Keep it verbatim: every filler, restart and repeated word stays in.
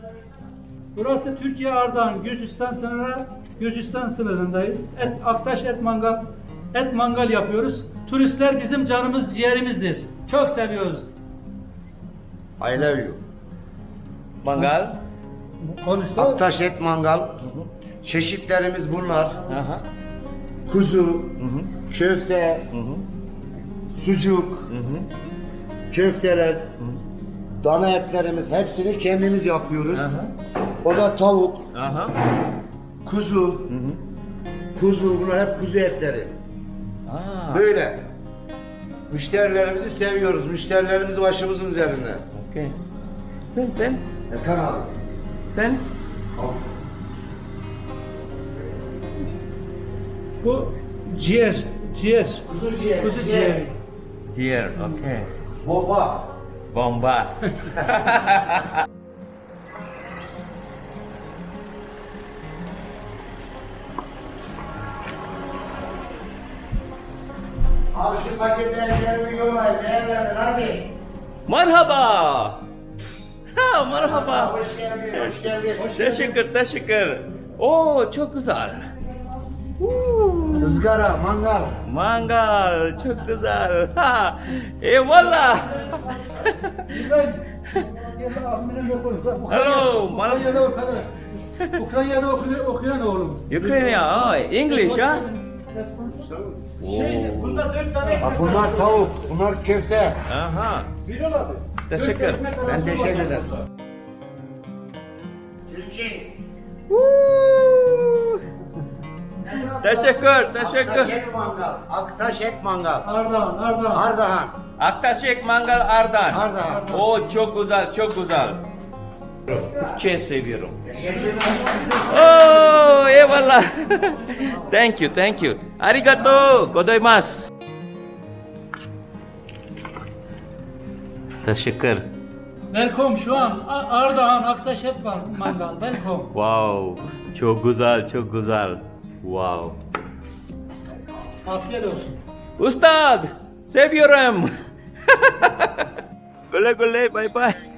Burası Türkiye Ardahan, Gürcistan sınırı, Gürcistan sınırındayız. Et, Aktaş et mangal, et mangal yapıyoruz. Turistler bizim canımız, ciğerimizdir. Çok seviyoruz. I love you. Mangal. Konuştu. Aktaş et mangal. Çeşitlerimiz bunlar. Aha. Kuzu, köfte, Hı hı. sucuk, Hı hı. köfteler, dana etlerimiz hepsini kendimiz yapıyoruz. Aha. O da tavuk, Aha. kuzu, Hı hı. kuzu bunlar hep kuzu etleri. Aa. Böyle. Müşterilerimizi seviyoruz. Müşterilerimiz başımızın üzerinde. Okay. Sen sen Erkan abi. sen. Al. Bu ciğer, ciğer. Kuzu ciğeri. Kuzu ciğeri. Ciğer. Okay. Baba. Bomba. Abi şu paketleri yollayın. Değerlendir hadi. Merhaba. Ha, merhaba. Hoş geldin. Hoş geldin. Teşekkür, teşekkür. Oo, çok güzel. Woo. Izgara, mangal. Mangal, çok güzel. Ha, eyvallah. Hello, Ukrayna'da okuyan, Ukrayna'da okuyan, okuyan oğlum. Ukrayna, oh, English, ha? Şey, bunda dört tane Bak bunlar tavuk, bunlar köfte. Aha. Bir abi. Teşekkür. Ben teşekkür ederim. Türkiye. Woo. Teşekkür, Aktaş teşekkür. et mangal. Aktaş et mangal. Ardahan, Ardahan. Ardahan. Aktaşek Mangal Ardan. Ardahan. Oo, çok güzel, çok güzel. Türkçe seviyorum. Teşekkür ederim. Oh, eyvallah. Thank you, thank you. Arigato gozaimasu. Teşekkür. Welcome şu an A- Ardahan Aktaş et var mangal. Welcome. Wow, çok güzel, çok güzel. Wow. Afiyet olsun. Ustad, seviyorum. Güle güle, bye bye.